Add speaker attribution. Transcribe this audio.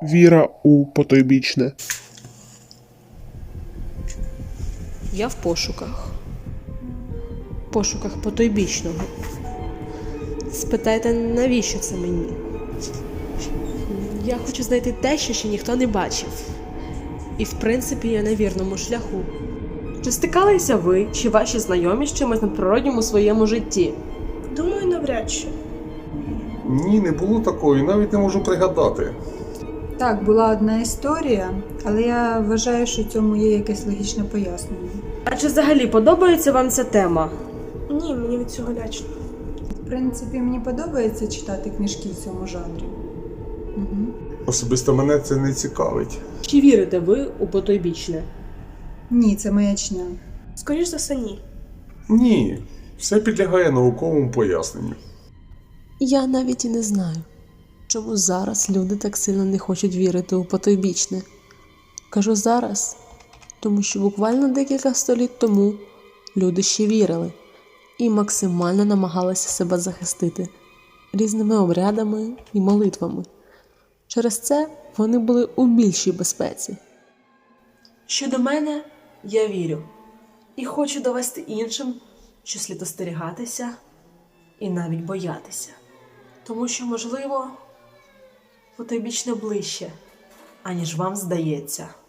Speaker 1: Віра у потойбічне.
Speaker 2: Я в пошуках. Пошуках потойбічного. Спитайте, навіщо це мені? Я хочу знайти те, що ще ніхто не бачив. І в принципі я на вірному шляху. Чи стикалися ви, чи ваші знайомі з чимось надприроднім у своєму житті?
Speaker 3: Думаю, навряд чи.
Speaker 4: Ні, не було такої, навіть не можу пригадати.
Speaker 5: Так, була одна історія, але я вважаю, що в цьому є якесь логічне пояснення.
Speaker 2: А чи взагалі подобається вам ця тема?
Speaker 3: Ні, мені від цього лячно.
Speaker 5: В принципі, мені подобається читати книжки в цьому жанрі. Угу.
Speaker 4: Особисто мене це не цікавить.
Speaker 2: Чи вірите ви у потойбічне?
Speaker 5: Ні, це маячня.
Speaker 3: Скоріш за все, ні.
Speaker 4: Ні, все підлягає науковому поясненню.
Speaker 2: Я навіть і не знаю, чому зараз люди так сильно не хочуть вірити у потойбічне. Кажу зараз, тому що буквально декілька століть тому люди ще вірили і максимально намагалися себе захистити різними обрядами і молитвами. Через це вони були у більшій безпеці. Щодо мене, я вірю і хочу довести іншим, що слід остерігатися і навіть боятися. Тому що, можливо, потойбічне ближче, аніж вам здається.